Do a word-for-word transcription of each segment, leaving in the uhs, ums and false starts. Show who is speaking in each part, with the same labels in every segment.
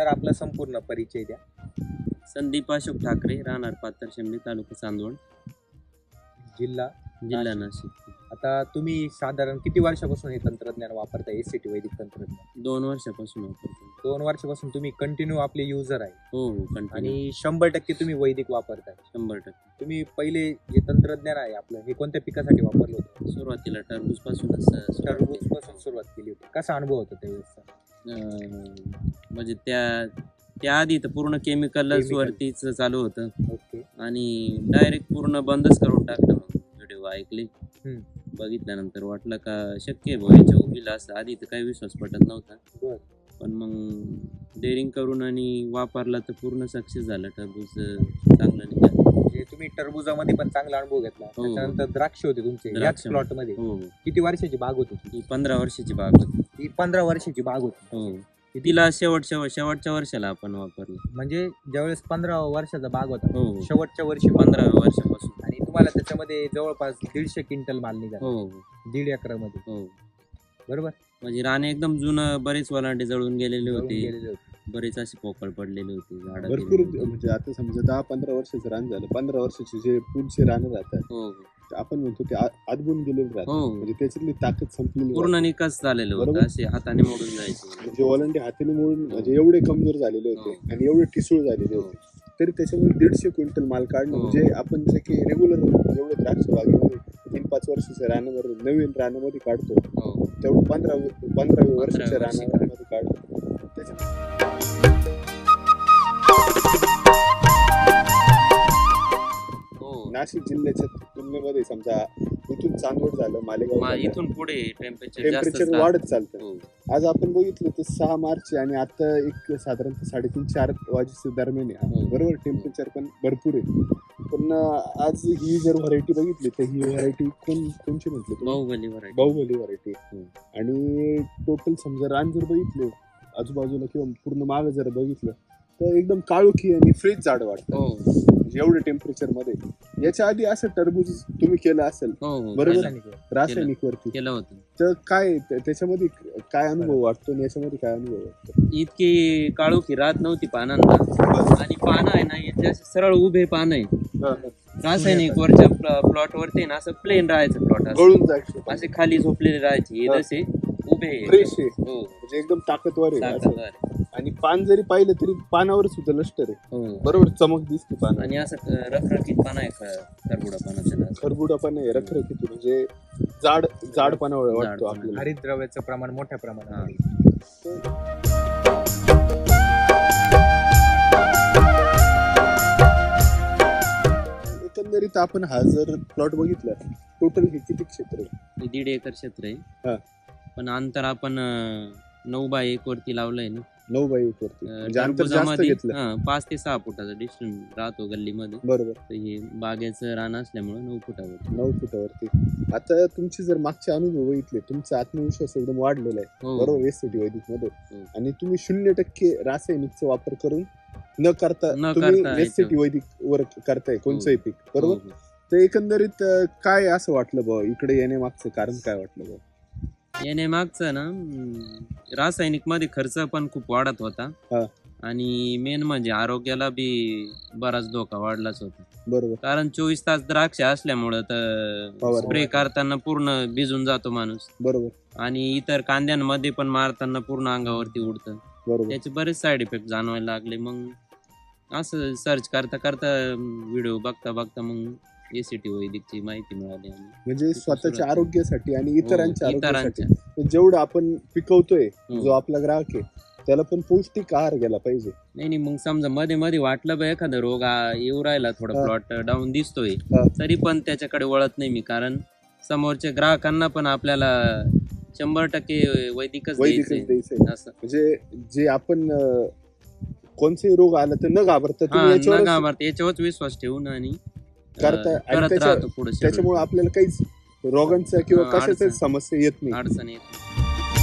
Speaker 1: आपला संपूर्ण परिचय द्या.
Speaker 2: संदीप अशोक ठाकरे, राहणार पाथरशेंबी, तालुका चांदवड,
Speaker 1: जिल्हा
Speaker 2: जिल्हा नाशिक.
Speaker 1: आता तुम्ही साधारण किती वर्षापासून हे तंत्रज्ञान वापरताय, एससीटी वैदिक तंत्रज्ञान?
Speaker 2: दोन वर्षापासून वापरतो.
Speaker 1: दोन वर्षापासून तुम्ही कंटिन्यू आपले युजर आहे
Speaker 2: हो हो कंटिन्यू.
Speaker 1: आणि शंभर टक्के तुम्ही वैदिक वापरताय.
Speaker 2: शंभर टक्के.
Speaker 1: तुम्ही पहिले जे तंत्रज्ञान आहे आपलं हे कोणत्या पिकासाठी वापरलं होतं?
Speaker 2: सुरुवातीला टरबूज पासूनच
Speaker 1: टरबूज पासून सुरुवात केली होती. कसा अनुभव होता त्यावेळेसचा?
Speaker 2: म्हणजे त्या त्याआधी तर पूर्ण केमिकलच
Speaker 1: Chemical.
Speaker 2: वरतीच चालू होतं
Speaker 1: ओके.
Speaker 2: आणि डायरेक्ट पूर्ण बंदच करून टाकलं. मग व्हिडिओ ऐकले,
Speaker 1: हम्म.
Speaker 2: बघितल्यानंतर वाटलं का शक्य आहे भाऊ याच्या उभीला असं. आधी तर काही विश्वास पटत नव्हता,
Speaker 1: बर.
Speaker 2: पण मग डेअरिंग करून आणि वापरला तर पूर्ण सक्सेस झालं. टरबूज चांगलं निघालं.
Speaker 1: म्हणजे तुम्ही टरबुजामध्ये पण चांगला अनुभव घेतला.
Speaker 2: हो.
Speaker 1: त्याच्यानंतर द्राक्ष होते तुमचे याच
Speaker 2: द्राक्ष.
Speaker 1: प्लॉट मध्ये.
Speaker 2: हो.
Speaker 1: किती वर्षाची बाग होती ती?
Speaker 2: ही पंधरा वर्षाची बाग होती.
Speaker 1: ती पंधरा वर्षाची बाग होती.
Speaker 2: हो. तिला शेवट शेवट शेवटच्या वर्षाला आपण वापरलं.
Speaker 1: म्हणजे ज्यावेळेस पंधरा वर्षाचा बाग होता
Speaker 2: हो हो.
Speaker 1: शेवटच्या वर्षी
Speaker 2: पंधरा वर्षापासून.
Speaker 1: आणि तुम्हाला त्याच्यामध्ये जवळपास दीडशे क्विंटल माल निघाला.
Speaker 2: हो हो
Speaker 1: दीड एकरामध्ये.
Speaker 2: हो.
Speaker 1: बरोबर.
Speaker 2: म्हणजे राणे एकदम जुनं, बरेच वलांडे जळून गेलेले
Speaker 1: जळून
Speaker 2: होते,
Speaker 1: गेलेले होते.
Speaker 2: बरेच असे पोकळ पडलेले होते झाड.
Speaker 3: भरपूर. म्हणजे आता समजा दहा पंधरा वर्षाचं रान झालं, पंधरा वर्षाचे जे पुढचे रानं राहतात
Speaker 2: हो हो.
Speaker 3: आपण म्हणतो ते आ- आदबून गेलेले राहतात.
Speaker 2: हो
Speaker 3: म्हणजे त्याच्यातली ताकद संपलेली
Speaker 2: पूर्ण
Speaker 3: राहते.
Speaker 2: निकास झालेलं होतं.
Speaker 3: बरोबर.
Speaker 2: असे हाताने मोडून जायचे.
Speaker 3: म्हणजे ओलांडे हाताने मोडून म्हणजे एवढे कमजोर झालेले होते
Speaker 2: हो.
Speaker 3: आणि एवढे ठिसूळ झालेले
Speaker 2: हो.
Speaker 3: होते, तरी त्याच्यामध्ये दीडशे क्विंटल माल काढणं
Speaker 2: हो.
Speaker 3: म्हणजे आपण जे की रेग्युलर जेवढे द्राक्ष बागेमध्ये तीन पाच वर्षाच्या रानावर नवीन रानामध्ये काढतो
Speaker 2: हो
Speaker 3: तेवढं पंधरा पंधराव्या वर्षाच्या
Speaker 2: वर्षी
Speaker 3: रानामध्ये काढतो. त्याच्या
Speaker 2: हो.
Speaker 3: नाशिक जिल्ह्याच्या तुलनेमध्ये समजा इथून चांदवड झालं, मालेगाव
Speaker 2: मा-
Speaker 3: झालं,
Speaker 2: इथून पुढे टेम्परेचर जास्त
Speaker 3: टेम्परेचर वाढत चालतं.
Speaker 2: हो
Speaker 3: आज आपण बघितलं तर सहा मार्च आहे आणि आता एक साधारणतः साडेतीन चार वाजेच्या दरम्यान आहे.
Speaker 2: हो.
Speaker 3: बरोबर. टेम्परेचर पण भरपूर आहे. पण अं, आज ही जर व्हरायटी बघितली तर ही व्हरायटी कोण कोणची म्हटली तुम्ही?
Speaker 2: बाहुबली व्हरायटी.
Speaker 3: बाहुबली व्हरायटी.
Speaker 2: हो.
Speaker 3: आणि टोटल समजा रान जर बघितले आजूबाजूला किंवा पूर्ण माग जर बघितलं तर एकदम काळोखी आणि फ्रीज झाड वाटतं.
Speaker 2: हो
Speaker 3: म्हणजे एवढे टेम्परेचर मध्ये. याच्या आधी असं टरबूज तुम्ही केलं असेल
Speaker 2: हो हो
Speaker 3: बरोबर.
Speaker 2: केलं-
Speaker 1: रासायनिक.
Speaker 3: रासायनिक वरती,
Speaker 2: केलं होतं.
Speaker 3: तर काय त्या- त्याच्यामध्ये काय अनुभव वाटतो आणि याच्यामध्ये काय अनुभव वाटतो?
Speaker 2: इतकी काळोखी राहत नव्हती पानांना आणि पानं आहे ना इथे असे सरळ उभे पानं आहे. रासायनिक वरच्या प्लॉट वरती ना असं प्लेन राहायचं प्लॉट,
Speaker 3: गळून जायचं
Speaker 2: असे खाली झोपलेले राहायचे. हे
Speaker 3: हा.
Speaker 2: जसे उभे आहे.
Speaker 3: फ्रेश आहे.
Speaker 2: हो
Speaker 3: म्हणजे एकदम ताकदवर आहे असं.
Speaker 2: ताकदवर आहे.
Speaker 3: आणि पान जरी पाहिलं तरी पानावर सुद्धा लष्टर आहे.
Speaker 2: हो
Speaker 3: बरोबर. चमक दिसते पान.
Speaker 2: आणि असं क- रखरखीत पानं आहे ख- खरबुडा पाना त्याला.
Speaker 3: खरबुडा पण आहे, रखरखीत म्हणजे जाड जाडपणा वाटतो
Speaker 2: जाडपणा.
Speaker 3: आपल्याला.
Speaker 1: हरितद्रव्याचं प्रमाण मोठ्या प्रमाणात
Speaker 2: हा.
Speaker 1: आहे.
Speaker 3: एकंदरीत आपण हा जर प्लॉट बघितला टोटल हे किती क्षेत्र आहे?
Speaker 2: हे दीड एकर क्षेत्र
Speaker 3: हा.
Speaker 2: आहे. पण अंतर आपण अं, नऊ बाय एक वरती लावलंय ना.
Speaker 3: नऊ बाय एक वरती.
Speaker 2: अं,
Speaker 3: म्हणजे अंतर जास्त
Speaker 2: टरबुजामध्ये,
Speaker 3: घेतलं.
Speaker 2: हा, पाच ते सहा फुटाचा डिस्टन्स राहतो गल्लीमध्ये.
Speaker 3: बरोबर.
Speaker 2: तर हे बागेचं रान असल्यामुळे नऊ फुटावर.
Speaker 3: नऊ फुटावरती. आता तुमचे जर मागचे अनुभव बघितले तुमचा आत्मविश्वास एकदम वाढलेला आहे.
Speaker 2: हो
Speaker 3: बरोबर. एससीटी वैदिक मध्ये.
Speaker 2: हो.
Speaker 3: आणि तुम्ही शून्य टक्के रासायनिकचा वापर करून न करता
Speaker 2: न
Speaker 3: तुम्ही
Speaker 2: करता
Speaker 3: एससीटी
Speaker 2: याच्यावर.
Speaker 3: वैदिक वर करताय कोणचंही पीक. बरोबर.
Speaker 2: हो, हो.
Speaker 3: तर एकंदरीत अं, काय असं वाटलं बा इकडे येण्यामागचं कारण काय वाटलं बा?
Speaker 2: येणे मागचं ना अं, रासायनिक मध्ये खर्च पण खूप वाढत होता
Speaker 3: हा.
Speaker 2: आणि मेन म्हणजे आरोग्याला बी बराच धोका वाढलाच होता.
Speaker 3: बरोबर.
Speaker 2: कारण चोवीस तास द्राक्ष असल्यामुळं तर
Speaker 3: फवारणी.
Speaker 2: स्प्रे करताना पूर्ण भिजून जातो माणूस
Speaker 3: बरोबर.
Speaker 2: आणि इतर कांद्यांमध्ये पण मारताना पूर्ण अंगावरती उडतं.
Speaker 3: बरोबर.
Speaker 2: त्याचे बरेच साईड इफेक्ट जाणवायला लागले. मग असं सर्च करता करता व्हिडिओ बघता बघता मग एसीटी वैदिकची माहिती मिळाली. आणि
Speaker 3: म्हणजे स्वतःच्या
Speaker 2: सुरुवात.
Speaker 3: आरोग्यासाठी आणि इतरांच्या
Speaker 2: हो,
Speaker 3: आरोग्यासाठी
Speaker 2: इतरांच्या.
Speaker 3: जेवढं आपण पिकवतोय
Speaker 2: हो.
Speaker 3: जो आपला ग्राहक आहे त्याला पण पौष्टिक आहार गेला पाहिजे.
Speaker 2: नाही नाही मग समजा मध्ये मध्ये वाटलं बा एखादा रोग आ- येऊ राहिला, थोडा
Speaker 3: हा.
Speaker 2: प्लॉट डाऊन दिसतोय,
Speaker 3: हा.
Speaker 2: तरी पण त्याच्याकडे वळत नाही मी. कारण समोरच्या ग्राहकांना पण आपल्याला शंभर टक्के वैदिकच
Speaker 3: वैदिकच
Speaker 2: द्यायचंय
Speaker 3: द्यायचंय.
Speaker 2: असं.
Speaker 3: म्हणजे जे आपण अं, कोणताही रोग आला तर न घाबरता
Speaker 2: हा,
Speaker 3: तुम्ही
Speaker 2: न
Speaker 3: याच्यावर
Speaker 2: घाबरता याच्यावरच विश्वास ठेवून आणि अं,
Speaker 3: करता आणि
Speaker 2: करत
Speaker 3: त्याच्या-
Speaker 2: राहतो पुढे.
Speaker 3: त्याच्यामुळे आपल्याला काहीच रोगांचा किंवा
Speaker 2: हा,
Speaker 3: कशाचाच
Speaker 2: अडचण.
Speaker 3: समस्या येत नाही.
Speaker 2: अडचण येत नाही.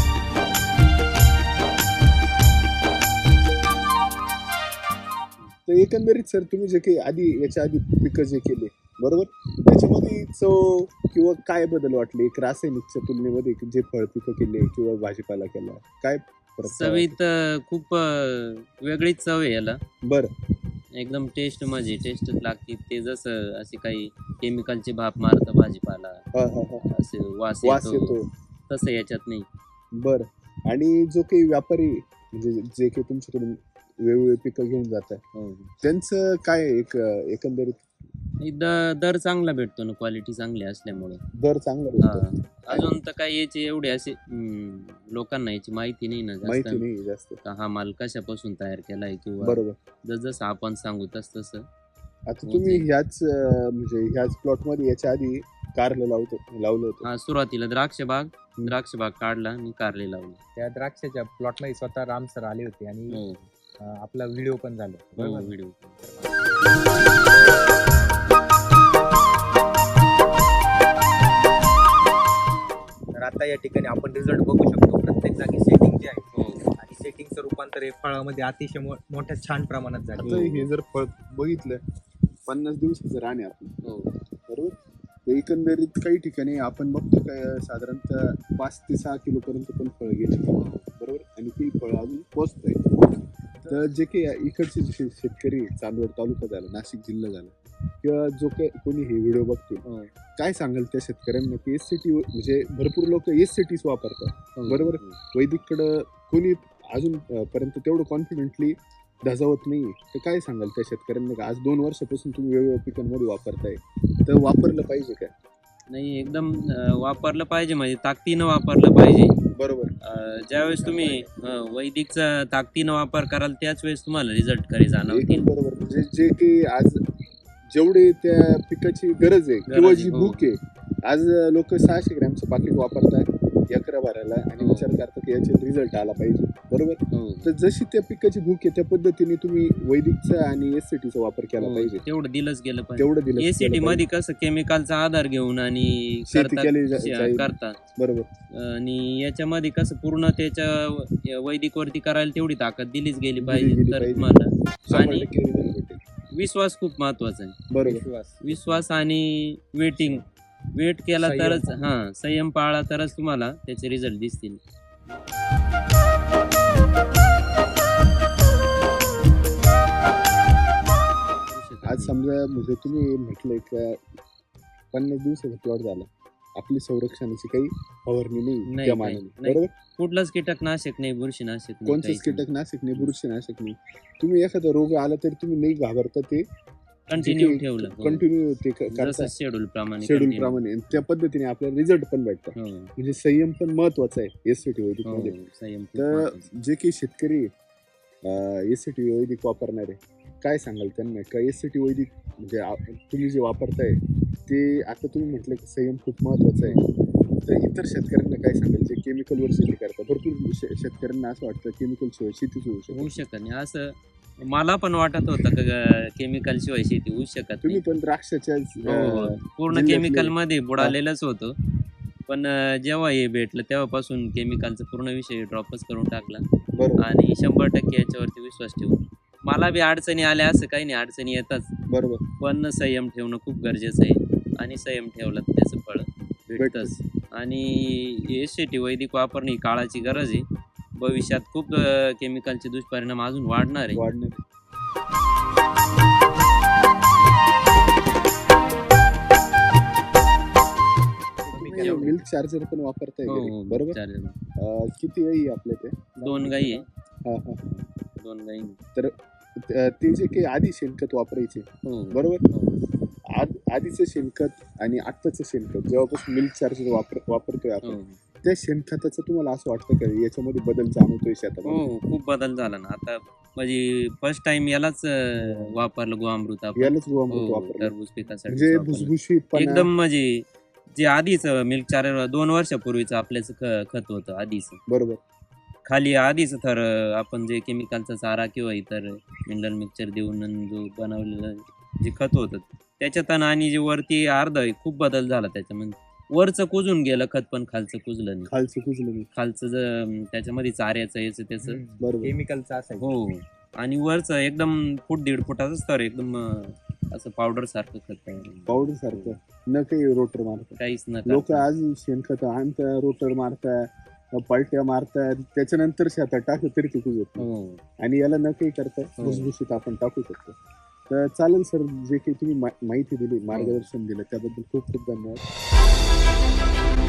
Speaker 3: तर एकंदरीत सर तुम्ही जे काही आधी याच्या आधी पिकं जे केले बरोबर त्याच्यामध्ये चव किंवा काय बदल वाटले एक रासायनिकच्या तुलनेमध्ये जे फळ पिकं केले किंवा भाजीपाला केला काय परत
Speaker 2: चवीत अं, खूप अं, वेगळीच चव आहे याला.
Speaker 3: बरं.
Speaker 2: एकदम टेस्ट म्हणजे टेस्टच लागते. ते जसं असे काही केमिकलचे भाप मारतं भाजीपाला,
Speaker 3: हा हा हा
Speaker 2: असे वास
Speaker 3: वास
Speaker 2: येतो,
Speaker 3: येतो.
Speaker 2: तसं याच्यात नाही.
Speaker 3: बरं. आणि जो काही व्यापारी म्हणजे जे काही तुमच्याकडून वेगवेगळी पिकं घेऊन जातात
Speaker 2: हो.
Speaker 3: त्यांचं काय आहे एक एकंदरीत
Speaker 2: आणि द- दर चांगला भेटतो ना, क्वालिटी चांगली असल्यामुळे.
Speaker 3: दर चांगला
Speaker 2: हा.
Speaker 3: भेटतो?
Speaker 2: अजून तर काही याची एवढी अशी हम्म, लोकांना याची माहिती नाही ना जास्त,
Speaker 3: माहिती नाही जास्त.
Speaker 2: का हा माल कशापासून तयार केलाय किंवा
Speaker 3: बरोबर.
Speaker 2: जसं आपण सांगू तस तसं.
Speaker 3: आता
Speaker 2: हो
Speaker 3: तुम्ही
Speaker 2: ते.
Speaker 3: ह्याच अं, म्हणजे ह्याच प्लॉट मध्ये याच्या आधी कारलं लावतो लावलं होतं.
Speaker 2: हा, सुरुवातीला द्राक्ष बाग
Speaker 3: हम्म.
Speaker 2: द्राक्ष बाग काढला आणि कारले लावले.
Speaker 1: त्या द्राक्षाच्या प्लॉट मध्ये स्वतः राम सर आले होते आणि
Speaker 2: हो
Speaker 1: अं, आपला व्हिडिओ पण झाला
Speaker 2: हो
Speaker 1: बरोबर.
Speaker 2: व्हिडिओ.
Speaker 1: तर आता या ठिकाणी आपण रिझल्ट बघू शकतो. प्रत्येक जागी सेटिंग जे आहे
Speaker 2: हो
Speaker 1: आणि सेटिंगचं रूपांतर हे फळामध्ये अतिशय मो- मोठ्या छान प्रमाणात झालं.
Speaker 3: आता हे जर फळ बघितलं पन्नास दिवसाचं रान आहे आपलं
Speaker 2: हो
Speaker 3: बरोबर. तर एकंदरीत काही ठिकाणी आपण बघतो काय साधारणतः पाच ते सहा किलो पर्यंत पण फळ गेले बरोबर. आणि ती फळ अजून पोचत आहे. तर जे काही इकडचे जे शे- शेतकरी आहे, चांदवड तालुका झाला, नाशिक जिल्हा झाला किंवा जो काही कोणी हे व्हिडिओ बघतील
Speaker 2: हो
Speaker 3: काय सांगाल त्या शेतकऱ्यांना की एस सी टी म्हणजे भरपूर लोक एस सी टीच वापरतात
Speaker 2: हो.
Speaker 3: बरोबर. वैदिककडं कोणी अजून अं, पर्यंत तेवढं कॉन्फिडेंटली धजावत नाही. तर काय सांगाल त्या शेतकऱ्यांना का आज दोन वर्षापासून तुम्ही वेगवेगळ्या पिकांमध्ये वापरताय तर वापरलं पाहिजे काय?
Speaker 2: नाही, एकदम अं, वापरलं पाहिजे म्हणजे ताकदीनं वापरलं पाहिजे.
Speaker 3: बरोबर.
Speaker 2: अं, ज्यावेळेस तुम्ही अं, वैदिकचा ताकदीनं वापर कराल त्याच वेळेस तुम्हाला रिझल्ट खरे जाणवतील.
Speaker 3: एकदम बरोबर. म्हणजे जे की आज जेवढे त्या पिकाची गरज आहे किंवा
Speaker 2: गरज
Speaker 3: जी
Speaker 2: आहे, हो.
Speaker 3: भूक आहे आज लोक सहाशे ग्रॅमचं पाकिट वापरतात अकरा भरायला आणि
Speaker 2: हो.
Speaker 3: विचार करतात की याच्यात रिझल्ट आला पाहिजे बरोबर.
Speaker 2: हो
Speaker 3: तर जशी त्या पिकाची भूक आहे त्या पद्धतीने तुम्ही वैदिकचा आणि एस सी टीचा वापर केला
Speaker 2: हो,
Speaker 3: पाहिजे.
Speaker 2: तेवढं दिलंच गेलं पाहिजे.
Speaker 3: तेवढं दिलं
Speaker 2: एसीटी
Speaker 3: गेलं
Speaker 2: मध्ये कसं केमिकलचा आधार घेऊन आणि
Speaker 3: शेती
Speaker 2: करतात
Speaker 3: केली जा-
Speaker 2: शे-
Speaker 3: जाईल.
Speaker 2: करतात
Speaker 3: बरोबर.
Speaker 2: आणि याच्यामध्ये कसं पूर्ण त्याच्या वैदिक वरती करायला तेवढी ताकद दिलीच गेली
Speaker 3: दिली
Speaker 2: पाहिजे
Speaker 3: गेली
Speaker 2: तर
Speaker 3: पाहिजे.
Speaker 2: तुम्हाला.
Speaker 3: शंभर
Speaker 2: आणि
Speaker 3: टक्के result भेटेल.
Speaker 2: विश्वास खूप महत्वाचा आहे.
Speaker 3: बरोबर.
Speaker 1: विश्वास
Speaker 2: विश्वास आणि वेटिंग वेट केला
Speaker 1: संयम.
Speaker 2: तरच हा संयम पाळला तरच तुम्हाला त्याचे रिझल्ट दिसतील.
Speaker 3: आज समजा म्हणजे तुम्ही म्हटलंय का पन्नास दिवसाचा प्लॉट झाला आपली संरक्षणाची काही फवारणी नाही
Speaker 2: नाही,
Speaker 3: त्या
Speaker 2: नाही,
Speaker 3: मानाने
Speaker 2: नाही.
Speaker 3: बरोबर.
Speaker 2: कुठलाच कीटकनाशक नाही, बुरशीनाशक नाही,
Speaker 3: कोणतंच
Speaker 2: काहीच नाही.
Speaker 3: कीटकनाशक नाही बुरशीनाशक नाही. तुम्ही एखादा रोग आला तरी तुम्ही नाही घाबरता ते
Speaker 2: कंटिन्यू ठेवलं हो.
Speaker 3: कंटिन्यू ते क-
Speaker 2: जसं
Speaker 3: करता
Speaker 2: शेड्यूल प्रमाणे
Speaker 3: शेड्यूल
Speaker 2: continue.
Speaker 3: प्रमाणे आणि त्या पद्धतीने आपल्याला रिझल्ट पण भेटतात.
Speaker 2: हो,
Speaker 3: म्हणजे संयम पण महत्वाचा आहे एस सी टी वैदिक
Speaker 2: हो,
Speaker 3: मध्ये.
Speaker 2: संयम खूप
Speaker 3: तर
Speaker 2: महत्त्वाचा.
Speaker 3: जे काही शेतकरी एस सी टी वैदिक वापरणारे काय सांगाल त्यांना का एस सी टी वैदिक म्हणजे आ- तुम्ही जे वापरताय ते आता तुम्ही म्हटलं की संयम खूप महत्वाचा आहे. तर इतर शेतकऱ्यांना काय सांगाल जे केमिकलवर शेती करतात. भरपूर शे- शेतकऱ्यांना असं वाटतं केमिकल शिवाय शेतीच होऊ
Speaker 2: होऊ
Speaker 3: शकत.
Speaker 2: शकत नाही असं मला पण वाटत होतं का केमिकल शिवाय शेती होऊ शकत
Speaker 3: तुम्ही
Speaker 2: नाही.
Speaker 3: पण द्राक्षाच्या
Speaker 2: हो,
Speaker 3: अं,
Speaker 2: पूर्ण
Speaker 3: जिल्ह्यातले-
Speaker 2: केमिकल मध्ये बुडालेलंच होतं. पण अं, जेव्हा हे भेटलं तेव्हापासून केमिकलचा पूर्ण विषय ड्रॉपच करून टाकला
Speaker 3: बरोबर
Speaker 2: आणि शंभर टक्के याच्यावरती विश्वास ठेवून. मला बी अडचणी आल्या असं काही नाही, अडचणी येतात
Speaker 3: बरोबर
Speaker 2: पण संयम ठेवणं खूप गरजेचं आहे आणि संयम ठेवलं तर त्याचं फळ भेटतंच. आणि एस टी वैदिक वापरणे ही काळाची गरज आहे. भविष्यात खूप अं, केमिकलचे दुष्परिणाम अजून वाढणार आहे.
Speaker 3: वाढणार.
Speaker 2: एवढं.
Speaker 3: मिल्क चार्जर पण वापरताय
Speaker 2: हो,
Speaker 3: घरी,
Speaker 2: हो,
Speaker 3: बरोबर.
Speaker 2: चालेल.
Speaker 3: अं, किती वेळी आपल्या ते
Speaker 2: दोन गाई आहे,
Speaker 3: हा, हा.
Speaker 2: दोन गाई.
Speaker 3: त- ते जे काही आधी शेणखत वापरायचे
Speaker 2: हो
Speaker 3: बरोबर.
Speaker 2: हो,
Speaker 3: आद आधीचं शेणखत आणि आत्ताचं शेणखत जेव्हापासून मिल्क चार्जर वापर वापरतोय आपण
Speaker 2: हो.
Speaker 3: त्या शेणखताचं तुम्हाला असं वाटतं का याच्यामध्ये बदल जाणवतोय शेतामध्ये?
Speaker 2: हो, खूप बदल झाला ना आता. म्हणजे फर्स्ट टाइम यालाच अं, वापरलं गोअमृत आपण.
Speaker 3: यालाच गोअमृत
Speaker 2: हो,
Speaker 3: वापरलं
Speaker 2: टरबूज पिकासाठी
Speaker 3: म्हणजे
Speaker 2: वापरलं.
Speaker 3: भुसभुशीत
Speaker 2: एकदम म्हणजे जे आधीच मिल्क चार्जर दोन वर्षापूर्वीचं आपल्याच ख- खत होतं आधीच.
Speaker 3: बरोबर
Speaker 2: खाली आधीच तर अं, आपण जे केमिकलचा चारा किंवा इतर मिनरल मिक्सचर देऊन जो बनवलेलं जे खत होतं त्याच्यात आणि जे वरती अर्ध आहे खूप बदल झाला त्याच्यामध्ये. वरचं कुजून गेलं खत पण खालचं कुजलं नाही.
Speaker 3: खालचं कुजलं नाही.
Speaker 2: खालचं ज त्याच्यामध्ये चाऱ्याचं याचं त्याचं
Speaker 3: बरोबर.
Speaker 1: केमिकलचा असायचं.
Speaker 2: हो. आणि वरचं एकदम फूट दीड फुटाचं स्तर एकदम अं, असं पावडर सारखं खत आहे.
Speaker 3: पावडर सारखं न काही रोटर मारतात
Speaker 2: काहीच न
Speaker 3: लोक
Speaker 2: करता.
Speaker 3: आज शेणखत आणता रोटर मारता पलट्या मारतात त्याच्यानंतर शेतात टाकलं तरी टिकू येत नाही.
Speaker 2: हो
Speaker 3: आणि याला न काही करता
Speaker 2: हो.
Speaker 3: भुसभुशीत आपण टाकू शकतो. तर चालेल सर, जे काही तुम्ही मा- माहिती दिली, मार्गदर्शन दिलं त्याबद्दल खूप खूप धन्यवाद.